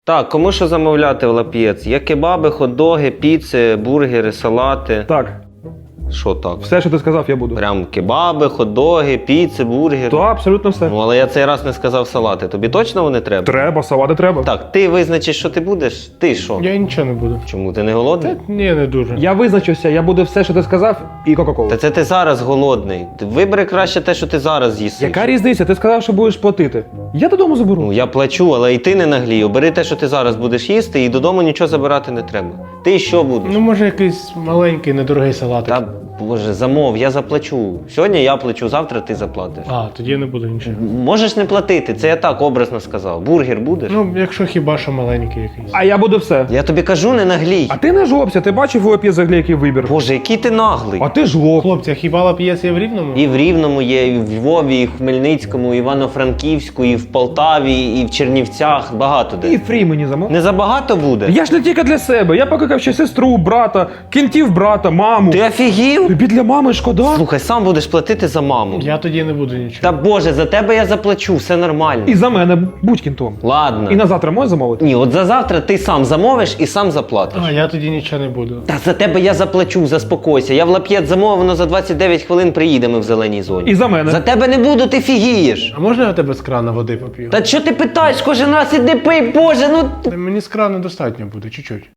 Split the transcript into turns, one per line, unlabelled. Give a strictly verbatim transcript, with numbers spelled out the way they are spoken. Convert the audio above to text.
Так, кому що замовляти в Лап'єц? Є кебаби, хот-доги, піци, бургери, салати.
Так,
Що так?
все, що ти сказав, я буду.
Прям кебаби, хот-доги, піци, бургери.
То абсолютно все.
Ну, але я цей раз не сказав салати. Тобі точно вони треба?
Треба, салати треба.
Так, ти визначиш, що ти будеш? Ти що?
Я нічого не буду.
Чому? Ти не голодний?
Та ні, не дуже.
Я визначився, я буду все, що ти сказав, і Кока-Колу.
Та це ти зараз голодний. Ти вибери краще те, що ти зараз з'їси.
Яка різниця? Ти сказав, що будеш платити. Я додому заберу.
Ну, я плачу, але і ти не наглій. Бери те, що ти зараз будеш їсти, і додому нічого забирати не треба. Ти що будеш?
Ну, може, якийсь маленький, недорогий салатик.
Та, боже, замов, я заплачу. Сьогодні я плачу, завтра ти заплатиш.
А, тоді я не буду нічого.
Можеш не платити, це я так образно сказав. Бургер будеш?
Ну, якщо хіба що маленький якийсь.
А я буду все.
Я тобі кажу, не наглій.
А ти не жлобся, ти бачив у Лап'єц взагалі який вибір.
Боже, який ти наглий.
А ти жлоб.
Хлопці, а хіба Лап'єц є в Рівному?
І в Рівному є, і в Львові, і в Хмельницькому, і в Івано-Франківську, і в Полтаві, і в Чернівцях. Багато де.
І фрі мені замов.
Не забагато буде?
Я ж не тільки для себе. Я покликав ще сестру, брата, кінтів брата, маму.
Ти офігів?
Тобі для мами шкода?
Слухай, сам будеш платити за маму.
Я тоді не буду нічого.
Та боже, за тебе я заплачу, все нормально.
І за мене будь кінтом.
Ладно.
І на завтра можеш замовити?
Ні, от за завтра ти сам замовиш і сам заплатиш.
А, я тоді нічого не буду.
Та за тебе я заплачу, заспокойся. Я в Лап'єц замовив, воно за двадцять дев'ять хвилин приїде, ми в зеленій зоні.
І за мене.
За тебе не буду, ти фігієш.
А можна я тебе з крана води поп'ю?
Та що ти питаєш, кожен раз іди пий, боже, ну...
Та мені з крана достатньо буде, чуть-чуть.